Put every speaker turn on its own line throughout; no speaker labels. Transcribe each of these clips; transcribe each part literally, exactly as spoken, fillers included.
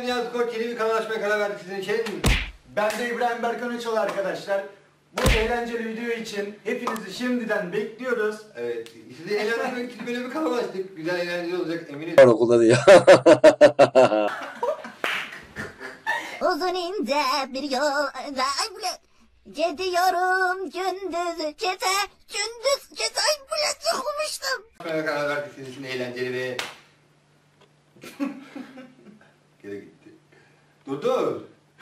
ben Nihat Koç, yeni bir kanal açmaya karar verdik sizin için.
Ben de İbrahim Berkan Öçal arkadaşlar. Bu eğlenceli video için hepinizi şimdiden bekliyoruz.
Evet, size eğlendirmek için böyle bir kanal açtık. Güzel eğlenceli olacak eminim.
Okulda diyor.
Uzun ince bir yolda gidiyorum gündüz gece, gündüz gece bile sıkılmıştım.
Açmaya karar verdik sizin için eğlenceli ve... Geri gitti. Dur dur.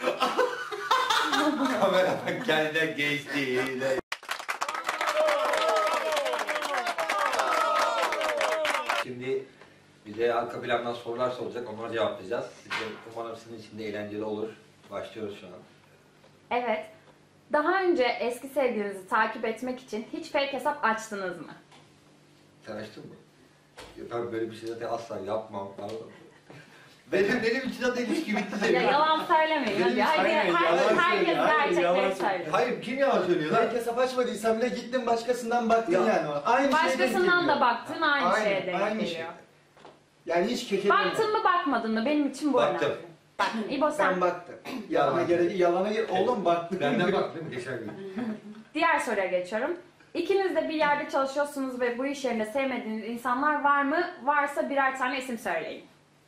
Kamera bak kendine geçti. Şimdi bize arka plandan sorular soracak, onlara cevaplayacağız. Size umarım sizin için de eğlenceli olur. Başlıyoruz şu an.
Evet. Daha önce eski sevgilinizi takip etmek için hiç fake hesap açtınız mı?
Sen açtın mı? Ya ben böyle bir şey zaten asla yapmam. benim, benim için zaten ilişki bitti senin.
Ya yalan söylemeyin. Hadi, hadi,
Hayır,
her,
yalan
herkes
söylüyor. Hayır,
gerçekleri
yalan
söylüyor.
Hayır, kim yalan söylüyor lan?
Fake hesap açmadıysan bile gittin başkasından baktın
Ya.
yani. Aynı şeye denk
Başkasından
geliyor.
da baktın aynı,
Aynen,
şeye denk
aynı
geliyor.
şey. Yani hiç kekelemiyor.
Baktın mı bakmadın mı? Benim için bu
Baktım.
önemli. Baktın. İbo sen.
Ben baktım. Yalana gerek yalana gerek. Oğlum baktım.
Benden bak değil mi? Geçen gün.
Diğer soruya geçiyorum. İkiniz de bir yerde çalışıyorsunuz ve bu iş yerinde sevmediğiniz insanlar var mı? Varsa birer tane isim söyleyin.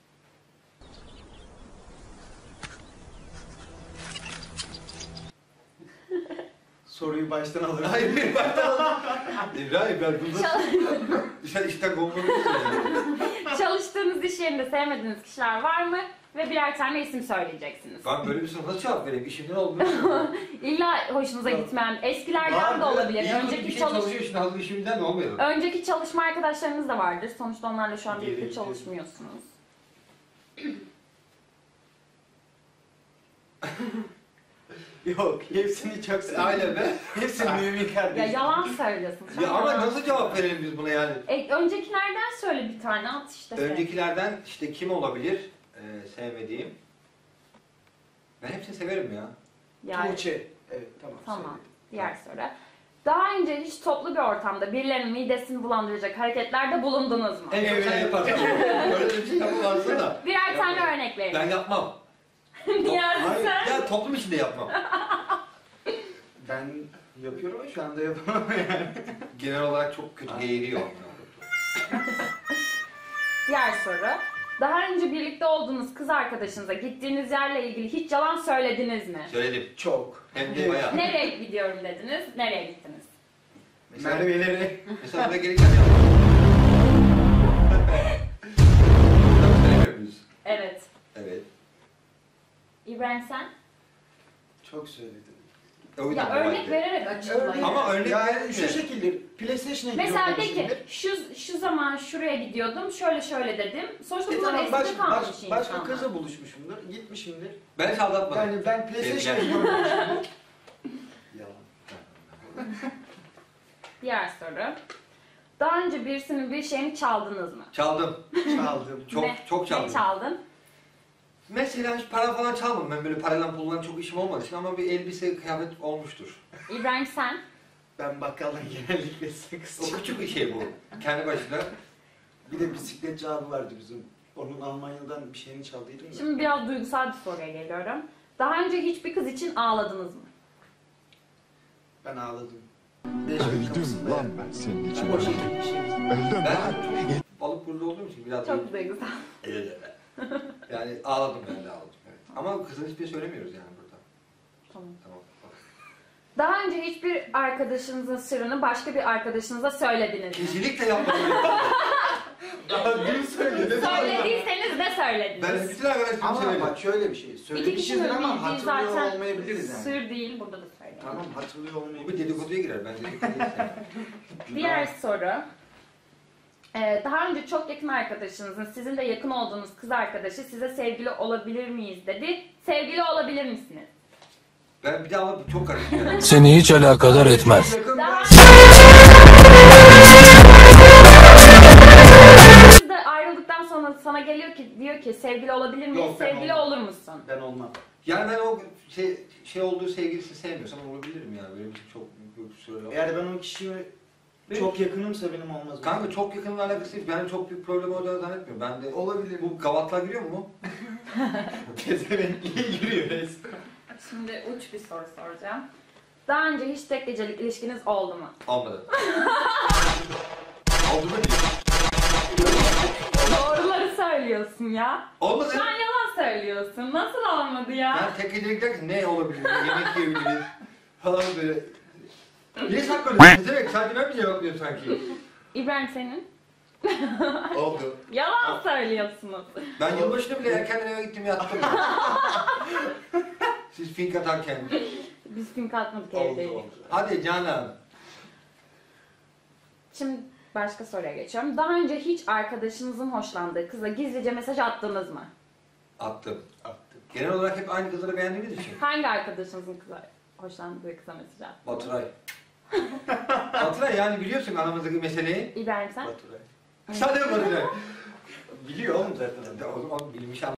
Soruyu baştan alırım.
Hayır, bir baştan İbrahim ben bunu
Çal-
sen işten kovulmamışsın yani.
Çalıştığınız iş yerinde sevmediğiniz kişiler var mı? Ve birer tane isim söyleyeceksiniz.
Ben böyle bir soru nasıl cevap vereyim? İşimden olmuş.
İlla hoşunuza gitmeyen, eskilerden de olabilir. Önceki
bir şey
çalış
çalışıyor şimdi hazır işimden mi olmuyor?
Önceki çalışma arkadaşlarınız da vardır. Sonuçta onlarla şu an
Geri
birlikte
gidiyor.
çalışmıyorsunuz.
Yok, hepsini çok seviyorum.
Aynen be.
Hepsini mümin
Ya
kardeşim.
yalan söylüyorsun. sen
Ya ama
yalan
nasıl cevap verelim biz buna yani?
E, öncekilerden söyle bir tane at işte. sen.
Öncekilerden işte kim olabilir ee, sevmediğim? Ben hepsini severim ya.
Yani,
Tuğçe. Evet, tamam.
tamam.
söyledim.
Diğer soru. Daha önce hiç toplu bir ortamda birilerinin midesini bulandıracak hareketlerde bulundunuz mu?
En çok sen yaparsın. Öyle bir şey yapamazsın da.
Birer tane örnek verin.
Ben yapmam.
Niye
Hayır,
sen?
ya toplum içinde yapmam.
Ben yapıyorum ama şu anda yapamam yani.
Genel olarak çok kötü geğiriyor.
Diğer soru. Daha önce birlikte olduğunuz kız arkadaşınıza gittiğiniz yerle ilgili hiç yalan söylediniz mi?
Söyledim.
Çok.
Hem de bayağı.
Nereye gidiyorum dediniz, nereye gittiniz?
Mesela,
Merve'leri.
mesela buraya gelirken yaptım. Burada söylemiyor muyuz?
Evet.
Evet.
İbrahim sen?
Çok söyledim.
O yüzden
Ya
bu
örnek
halde.
vererek açıklayın.
Ama örnek
Yani
vermiyor.
şu şekilde PlayStation'a
Mesela de
gidiyorum
ki şu, şu zaman şuraya gidiyordum, şöyle şöyle dedim. Sonuçta
E
bunlar
tamam,
eskide
baş,
kalmış
baş,
insanlar.
başka kızla buluşmuşumdur, gitmişimdir.
Ben hiç aldatmadım.
Yani ben PlayStation'a
Sevgiler.
gidiyorum buluşumdur. Yalan.
Diğer soru. Daha önce birisinin bir şeyini çaldınız mı?
Çaldım.
Çaldım.
Çok
ne,
çok çaldım.
Ne çaldın?
Mesela hiç para falan çalmadım. Ben böyle parayla pulla çok işim olmadığı için ama bir elbise, kıyafet olmuştur.
İbrahim sen?
Ben bakkaldan genellikle sakız
O küçük bir şey bu. Kendi başına.
Bir de bisikletçi abi vardı bizim. Onun Almanya'dan bir şeyini çaldıydım da.
Şimdi biraz duygusal bir soruya geliyorum. Daha önce hiçbir kız için ağladınız mı?
Ben ağladım.
Öldüm lan ben senin için.
O şekilde bir şey.
Öldüm
Ben
lan.
çok balık burcu olduğum için biraz
Çok duygusal.
yani ağladım ben de ağladım. Evet. Ama kızın hiçbir şey söylemiyoruz yani burada.
Tamam.
Tamam.
Daha önce hiçbir arkadaşınızın sırrını başka bir arkadaşınıza söylediniz mi?
Kesinlikle yapmadım.
Daha dün söyledim.
Söylediyseniz ne
Ben
söylediniz?
bütün arkadaşlarım
Ama
söyledim.
bak şöyle bir şey.
İki
Söylemişizdir
kişinin
ama
bildiği
hatırlıyor
zaten
olmayabiliriz yani.
sır değil, burada da söyleyin.
Tamam, hatırlıyor
Bu
olmayabiliriz.
bir dedikoduya girer. Ben dedikoduya girer.
Diğer soru. Ee, daha önce çok yakın arkadaşınızın, sizin de yakın olduğunuz kız arkadaşı size sevgili olabilir miyiz dedi. Sevgili olabilir misiniz?
Ben bir daha çok karıştım.
Seni hiç alakadar etmez.
Yakın
Daha
ben-
Siz de ayrıldıktan sonra sana geliyor ki diyor ki sevgili olabilir miyiz?
Yok, ben
sevgili
olmam.
olur musun?
Ben olmam.
Yani ben o şey, şey olduğu sevgilisini sevmiyorsam olabilirim yani. Benim için çok büyük bir süre yok.
Eğer ben o kişiye çok yakınımsa benim olmaz.
Kanka çok yakınla alakası değil. Ben çok büyük problem olduğunu zannetmiyorum. Ben de
olabilir.
bu gavatlar giriyor mu?
Pezevenk yürüyor resmen.
Şimdi uç bir soru soracağım. Daha önce hiç tek gecelik ilişkiniz oldu mu?
Olmadı. Oldu mu diyor.
Doğruları söylüyorsun ya.
Olmadı.
Şu an yalan söylüyorsun. Nasıl olmadı ya?
Yani tek gecelik derken ne olabilir? Yemek yiyebiliriz. Falan böyle. Niye saklıyorsun? Demek sadece ben mi cevaplıyorum sanki?
İbrahim senin?
Oldu.
Yalan söylüyorsunuz.
Ben yılbaşında bile erkenden eve gittim yattım. Siz fink atarken.
Biz film katmadık
Oldu
evdeyiz.
oldu.
Hadi canım.
Şimdi başka soruya geçiyorum. Daha önce hiç arkadaşınızın hoşlandığı kıza gizlice mesaj attınız mı?
Attım.
Attım.
Genel olarak hep aynı kızları beğendiğimiz için.
Hangi arkadaşınızın kıza hoşlandığı kıza mesaj attınız?
Baturay. Baturay yani biliyorsun aramızdaki meseleyi.
İbrahim sen?
Baturay.
Sadece Baturay.
Biliyor oğlum zaten.
O zaman bilmiş